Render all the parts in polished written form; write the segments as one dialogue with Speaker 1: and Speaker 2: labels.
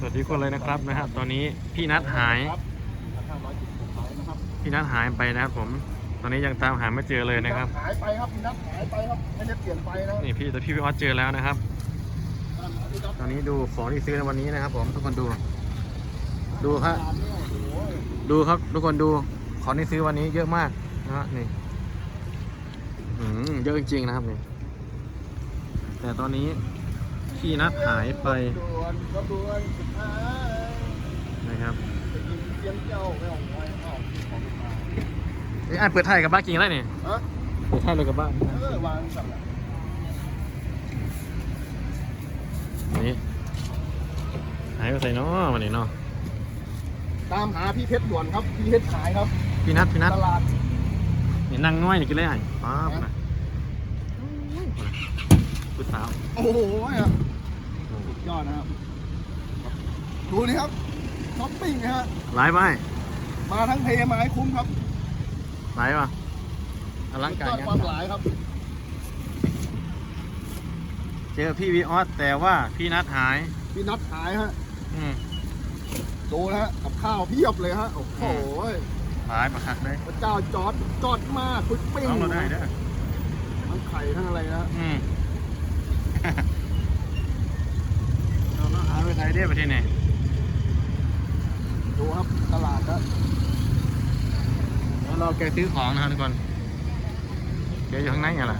Speaker 1: สดีคนเลยนะครับตอนนี้พี่นัทหายพี่นัทหายไปนะครับผมตอนนี้ยังตามหาไม่เจอเลยนะครับ
Speaker 2: หายไปครับพี่นัทหายไปครับไม่ได้เปลี่ยนไปนะ
Speaker 1: นี่พี่ออสเจอแล้วนะครับตอนนี้ดูของที่ซื้อในวันนี้นะครับผมทุกคนดูครับดูครับทุกคนดูของที่ซื้อวันนี้เยอะมากนะฮะนี่เยอะจริงๆนะครับนี่แต่ตอนนี้พี่นัทหายไปนะครับเปิดไทยกับบ้านกินอะไรเนี่ยเปิดไทยเลยกับบ้านนี่หายไปใส่เนาะวันนี้เนาะ
Speaker 2: ตามหาพี่เพชรด่วนครับพี่เพชรหายครับ
Speaker 1: พี่นัท
Speaker 2: ตลาด
Speaker 1: นี่นั่งน้อยนี่กินอะไรป๊าบนะผู้สาว
Speaker 2: โอ้โหสุดยอดนะครับดูนี่ครับช้อปปิ้งนะฮะ
Speaker 1: หลายใบ
Speaker 2: มาทั้งเทมาให้คุ้มครับ
Speaker 1: หลายป่ะอลังการงาน
Speaker 2: ความหลายครับ
Speaker 1: เจอพี่วีออสแต่ว่าพี่นัทหาย
Speaker 2: พี่นัทหายฮะดูนะฮะกับข้าวเพียบเลยฮะโอ้โห
Speaker 1: หายมาหักเลย
Speaker 2: พระเจ้าจอดมากคุยปิ้ง
Speaker 1: เราได้ด้วย
Speaker 2: ทั้งไข่ทั้งอะไรนะ
Speaker 1: เราหาไปไทยได้ประเทศไหน
Speaker 2: ดูครับตลาดนะ
Speaker 1: แล้วเราแกซื้อของนะครับทุกคนแกอยู่ข้างในไงล่ะ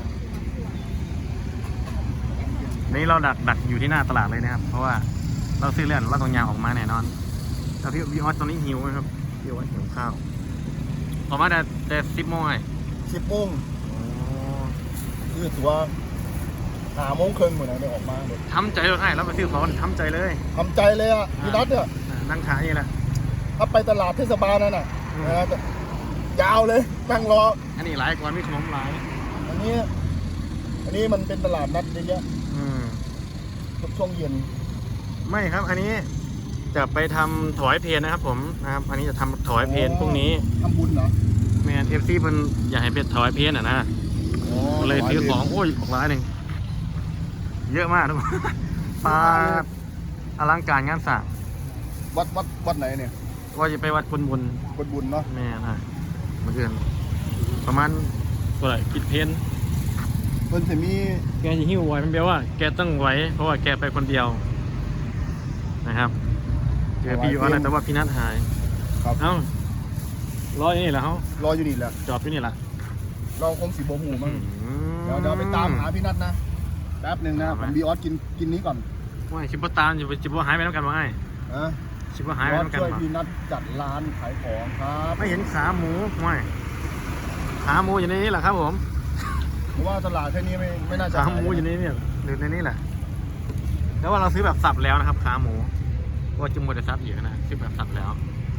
Speaker 1: นี่เราดักอยู่ที่หน้าตลาดเลยนะครับเพราะว่าเราซื้อเลื่อนเราต้องยางออกมาแน่นอนแล้วพี่ออสตอนนี้หิวไหมครับพี่ออสหิวข้าวออกมาแต่10 โมงไง
Speaker 2: 10 โมงคือตัว5 โมงครึ่งเหมือนอะไรออกมาเลย
Speaker 1: ทำใจเราให้เราไปซื้อของทำใจเลย
Speaker 2: อ่ะพี่นัทเนี่ย
Speaker 1: นั่งขายนี่แหละ
Speaker 2: ถ้าไปตลาดเทศบาลนั่นน่ะยาวเลยนั่งรอ
Speaker 1: อันนี้หลายกว่ามีขนมหลาย
Speaker 2: อันนี้มันเป็นตลาดนัดเยอะช่วงเย็น
Speaker 1: ไม่ครับอันนี้จะไปทำถวายเพลนะครับผมนะครับอันนี้จะทำถวายเพลพรุ่งนี้
Speaker 2: ทำบุญเหรอ
Speaker 1: แมนFCมันอยากให้เป็นถวายเพลนะเลยซื้อของโอ้ยของร้านหนึ่งเยอะมากทุกคนปลาอลังการงานสร้าง
Speaker 2: วัดไหนเนี่ย
Speaker 1: ว่าจะไปวัดบุญ
Speaker 2: เนาะ
Speaker 1: แม่เมื่อคืนประมาณตัวไหนปิดเพล
Speaker 2: เพิ่นจะมี
Speaker 1: แกจะหิ้วไหวมันแปลว่าแกต้องไหวเพราะว่าแกไปคนเดียวนะครับเจอพี่อยู่อะไรแต่ว่าพี่นัทหายเอ้ารออยู่นี่แหละเขา
Speaker 2: รออยู่นี่แหละ
Speaker 1: จอดอยู่นี่แหละ
Speaker 2: เราคงสีโบหูมั้งเดี๋ยวไปตามหาพี่นัทนะแป๊บหนึ่งนะผมบีออสกินนี้ก่อน
Speaker 1: ว่าชิบะตามชิบะหายไปแล้วกันว่าไงชิบะหายไปแล้วกัน
Speaker 2: ช่วยพี่นัทจัดร้านขายของครับ
Speaker 1: ไม่เห็นขาหมูไม่ขาหมูอยู่ในนี้แหละครับผม
Speaker 2: เพราะว่าตลาดแค่นี้ไม่น่าจะ
Speaker 1: ขาหมูอยู่ในนี้หรือในนี้แหละแล้วว่าเราซื้อแบบสับแล้วนะครับขาหมูว่าจุ่มโมเดลซับอยู่นะซื้อแบบสับแล้ว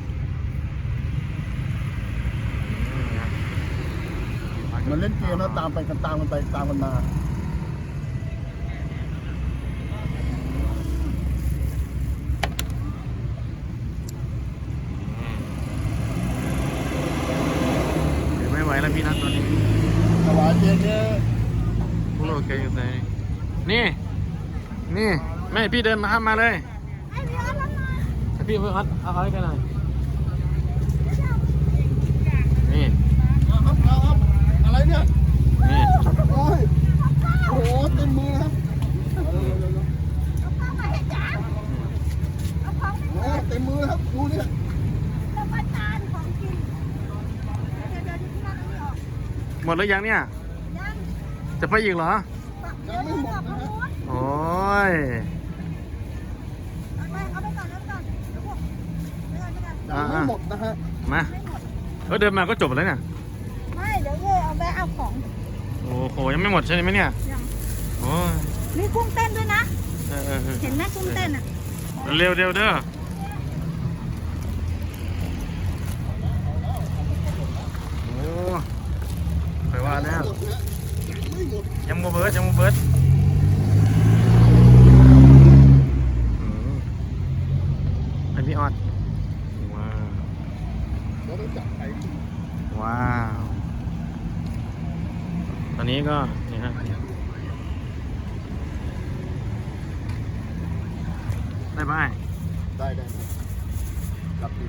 Speaker 2: มันเล่นเกมแล้วตามกันมา
Speaker 1: ไม่ไหวแล้วพี่นัทตอนนี้
Speaker 2: ถวายเย็นเนี่ย
Speaker 1: พวกเราแกอยู่ไหนนี่ไม่พี่เดินมาเลยพี่เพื่อนเอาอะไรกันหน่อยนี่
Speaker 2: ครับอะไรเนี่ย
Speaker 1: นี่
Speaker 2: โอ้โหเต็มมือครับเต็มมือครับดูเนี่ย
Speaker 1: หมดแล้วยังเนี่ยจะไปอีกเหรอ
Speaker 2: ยังไม่หมดนะ
Speaker 1: โอ้ย
Speaker 2: ยังไม่หมดนะฮะ
Speaker 1: มาเดินมาก็จบแล้วเนี่ย
Speaker 3: ไม่เดี๋ยวเอาไปเอาของ
Speaker 1: โอ้โหยังไม่หมดใช่ไหมเนี่ยโอ้ย
Speaker 3: มีกุ้งเต้นด้วยนะเห็นไหมกุ้งเต้นอ่ะ
Speaker 1: เร็วเด้อโอ้ไปว่าแล้วยังโมเบิร์ดเป็นพี่ออดว้าวตอนนี้ก็นี่ฮะบ๊ายบาย
Speaker 2: ได้จับดิ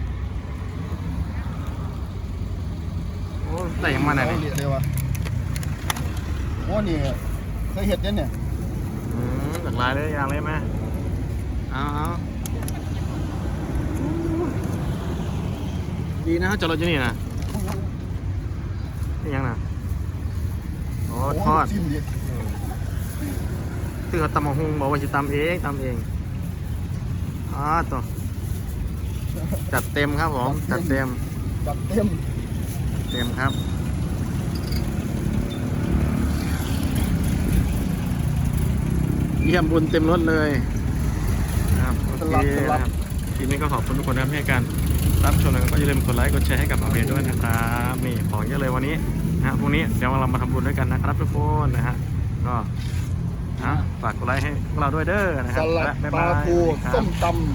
Speaker 1: โอ้แต่ยังมาไหน
Speaker 2: เละเลยวะโอ้นี่เคยเห็ดเนี่ย
Speaker 1: หลากหลายเลยอย่างเลยไหมเอาดีนะจอดรถอยู่นี่นะนี่ยังนะโอ้ทอด
Speaker 2: ชิมดิ
Speaker 1: คือเขาตำมะฮุงบอกว่าจะตำเองตัวจัดเต็มครับผมจัดเต็ม
Speaker 2: จัดเต็ม
Speaker 1: ครับเยี่ยมบุญเต็มรถเลยครับโอเคนะครับทีนี้ก็ขอบคุณทุกคนนะครับที่ให้การรับชมแล้วก็อย่าลืมกดไลค์กดแชร์ให้กับอาเบด้วยนะครับนี่ของเยอะเลยวันนี้นะพรุ่งนี้เดี๋ยวเรามาทำบุญด้วยกันนะครับทุกคนนะฮะก็ฝากกดไลค์ให้พวกเราด้วยเด้อนะค
Speaker 2: ส
Speaker 1: รับ
Speaker 2: ลัด
Speaker 1: บ๊าย
Speaker 2: ป
Speaker 1: บา
Speaker 2: ลาย ทู
Speaker 1: ครับ
Speaker 2: ส้มตำ